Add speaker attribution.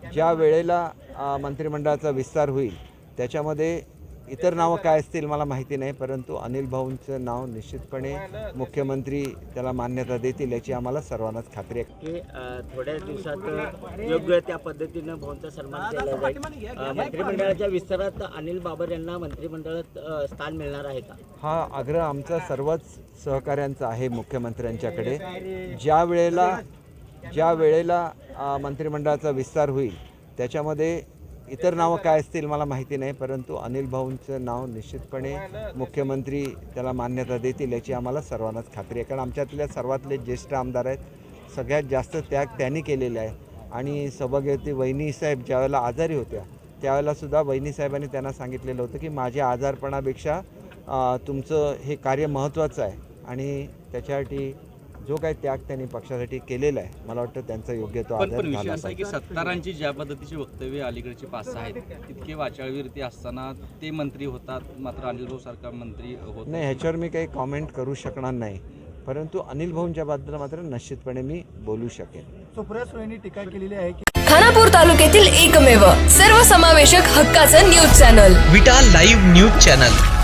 Speaker 1: ज्या वेळेला मंत्रिमंडळाचा विस्तार होईल त्याच्यामध्ये इतर नावं काय असतील मला माहिती नाही, परंतु अनिल भाऊंचं नाव निश्चितपणे मुख्यमंत्री त्याला मान्यता देतील याची आम्हाला सर्वांनाच खात्री आहे
Speaker 2: की थोड्या दिवसात योग्य त्या पद्धतीनं भाऊंचा सन्मान केला जाईल. मंत्रिमंडळाच्या विस्तारात अनिल बाबर यांना मंत्रिमंडळात स्थान मिळणार आहे का?
Speaker 1: हा आग्रह आमचा सर्वच सहकाऱ्यांचा आहे मुख्यमंत्र्यांच्याकडे. ज्या वेळेला मंत्रिमंडळाचा विस्तार होईल त्याच्यामध्ये इतर नावं काय असतील मला माहिती नाही, परंतु अनिल भाऊंचं नाव निश्चितपणे मुख्यमंत्री त्याला मान्यता देतील याची आम्हाला सर्वांनाच खात्री आहे. कारण आमच्यातल्या सर्वातले ज्येष्ठ आमदार आहेत, सगळ्यात जास्त त्याग त्यांनी केलेला आहे. आणि सौभाग्यवती वहिनीसाहेब ज्यावेळेला आजारी होत्या त्यावेळेलासुद्धा वहिनीसाहेबांनी त्यांना सांगितलेलं होतं की माझ्या आजारपणापेक्षा तुमचं हे कार्य महत्त्वाचं आहे. आणि त्याच्यासाठी जो काही त्याग त्यांनी पक्षासाठी केलेला आहे मला वाटतं त्यांचा योग्य तो आदर
Speaker 3: पण विषय
Speaker 1: झाला
Speaker 3: असा आहे की सत्तारांची ज्या पद्धतीची वक्तव्य अलीकडची 5-6 आहेत तितके वाचाळवीरती असताना ते मंत्री होतात, मात्र अनिल भाऊ सारखा मंत्री होत
Speaker 1: नाही. ह्याच्यावर मी काही कॉमेंट करू शकणार नाही, परंतु अनिल भाऊंच्या बद्दल मात्र निश्चितपणे मी बोलू शकेन.
Speaker 4: सुप्रिया सुळेंनी टीका केलेली आहे की
Speaker 5: खानापूर तालुक्यातील एकमेव सर्वसमावेशक हक्काचं news channel
Speaker 6: Vita live news channel.